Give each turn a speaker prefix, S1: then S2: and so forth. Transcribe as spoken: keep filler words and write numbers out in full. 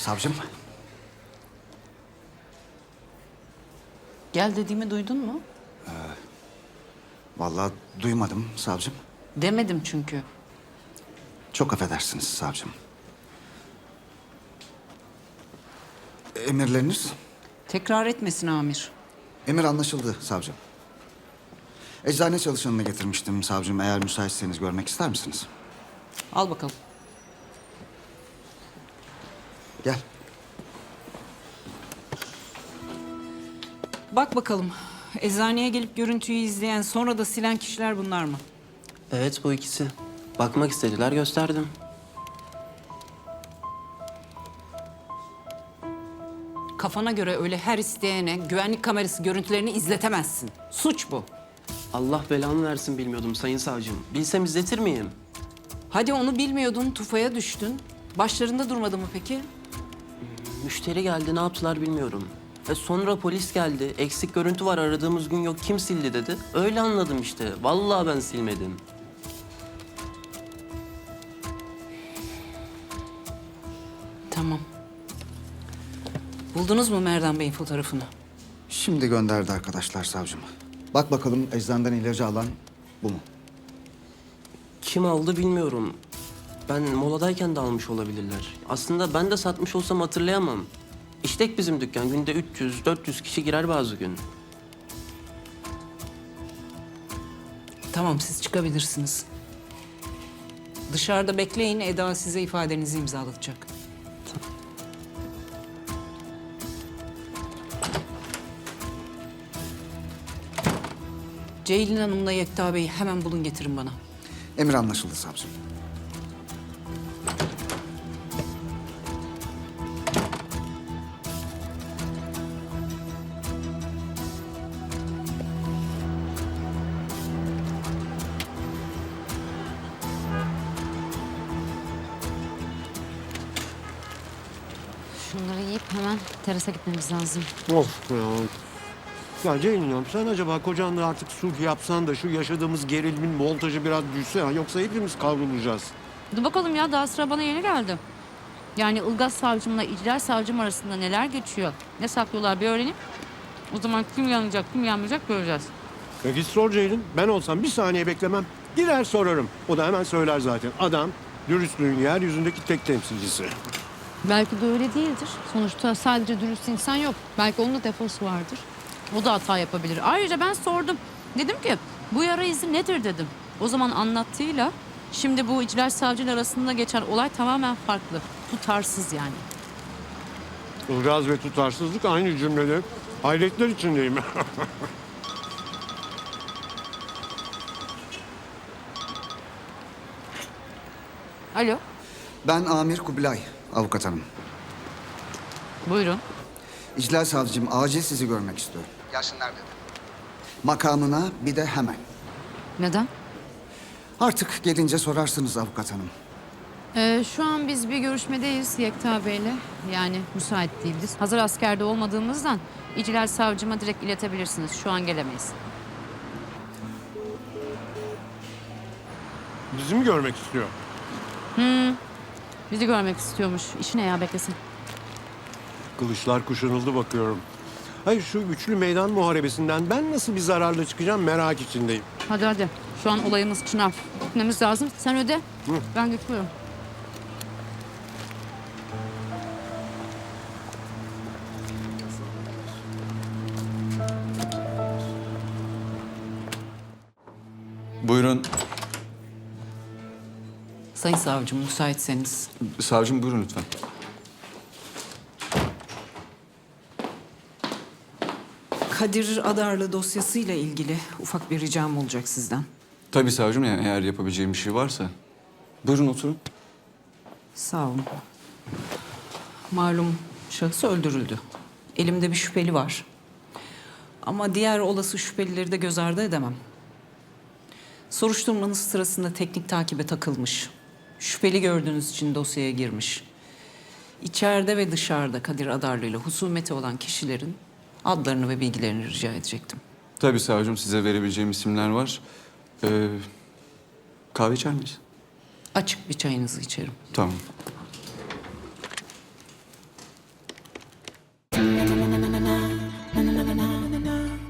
S1: Savcım.
S2: Gel dediğimi duydun mu?
S1: Vallahi duymadım savcım.
S2: Demedim çünkü.
S1: Çok affedersiniz savcım. Emirleriniz?
S2: Tekrar etmesin amir.
S1: Emir anlaşıldı savcım. Eczane çalışanını getirmiştim savcım. Eğer müsaitseniz görmek ister misiniz?
S2: Al bakalım.
S1: Gel.
S2: Bak bakalım. Eczaneye gelip görüntüyü izleyen sonra da silen kişiler bunlar mı?
S3: Evet, bu ikisi. Bakmak istediler, gösterdim.
S2: Kafana göre öyle her isteyene güvenlik kamerası görüntülerini izletemezsin. Suç bu.
S3: Allah belamı versin, bilmiyordum sayın savcım. Bilsem izletir miyim?
S2: Hadi onu bilmiyordun, tufaya düştün. Başlarında durmadı mı peki?
S3: Müşteri geldi, ne yaptılar bilmiyorum. E sonra polis geldi. Eksik görüntü var, aradığımız gün yok. Kim sildi dedi. Öyle anladım işte. Vallahi ben silmedim.
S2: Tamam. Buldunuz mu Merdan Bey'in fotoğrafını?
S1: Şimdi gönderdi arkadaşlar savcım. Bak bakalım eczaneden ilacı alan bu mu?
S3: Kim aldı bilmiyorum. Ben moladayken de almış olabilirler. Aslında ben de satmış olsam hatırlayamam. İştek bizim dükkan. Günde üç yüz dört yüz kişi girer bazı gün.
S2: Tamam, siz çıkabilirsiniz. Dışarıda bekleyin, Eda size ifadenizi imzalatacak. Ceylin Hanım'la Yekta Bey'i hemen bulun, getirin bana.
S1: Emir anlaşıldı savcım.
S4: Şunları yiyip hemen terasa gitmemiz lazım.
S5: Of ya. Ya Ceylin'im sen acaba kocanla artık sulh yapsan da şu yaşadığımız gerilimin montajı biraz düşse ya. Yoksa hepimiz kavrulacağız.
S4: Dur bakalım ya, daha sıra bana yeni geldi. Yani Ilgaz savcımla İclal savcım arasında neler geçiyor, ne saklıyorlar bir öğrenip o zaman kim yanacak, kim yanmayacak göreceğiz.
S5: Ya git sor Ceylin. Ben olsam bir saniye beklemem. Gider sorarım. O da hemen söyler zaten. Adam dürüstlüğün yeryüzündeki tek temsilcisi.
S4: Belki de öyle değildir. Sonuçta sadece dürüst insan yok. Belki onun da defosu vardır. O da hata yapabilir. Ayrıca ben sordum. Dedim ki bu yara izi nedir dedim. O zaman anlattığıyla şimdi bu İclal savcıyla arasında geçen olay tamamen farklı. Tutarsız yani.
S5: Ilgaz ve tutarsızlık aynı cümlede. Hayretler içindeyim.
S4: Alo,
S1: Ben Amir Kubilay, avukat hanım.
S4: buyurun.
S1: İclal savcım acil sizi görmek istiyorum. Gelsinler dedi. Makamına bir de hemen.
S4: Neden?
S1: Artık gelince sorarsınız avukat hanım.
S4: Ee, şu an biz bir görüşmedeyiz Yekta Bey'le. Yani müsait değiliz. Hazır askerde olmadığımızdan İclal savcıma direkt iletebilirsiniz. Şu an gelemeyiz.
S5: Bizi mi görmek istiyor?
S4: Bizi görmek istiyormuş. İşi ne ya, beklesin.
S5: Kılıçlar kuşanıldı bakıyorum. Hayır şu üçlü meydan muharebesinden ben nasıl bir zararla çıkacağım merak içindeyim.
S4: Hadi hadi. Şu an olayımız Çınar. Gitmemiz lazım. Sen öde. Ben götürüyorum.
S6: Buyurun.
S2: Sayın savcım, müsaitseniz.
S6: Savcım buyurun lütfen.
S2: Kadir Adarlı dosyasıyla ilgili ufak bir ricam olacak sizden.
S6: Tabii savcım, yani eğer yapabileceğim bir şey varsa. Buyurun oturun.
S2: Sağ olun. Malum şahıs öldürüldü. Elimde bir şüpheli var. Ama diğer olası şüphelileri de göz ardı edemem. Soruşturmanız sırasında teknik takibe takılmış. Şüpheli gördüğünüz için dosyaya girmiş. İçeride ve dışarıda Kadir Adarlı ile husumeti olan kişilerin adlarını ve bilgilerini rica edecektim.
S6: Tabii savcım, size verebileceğim isimler var. Ee, kahve içer miyiz?
S2: Açık bir çayınızı içerim.
S6: Tamam.
S7: na na.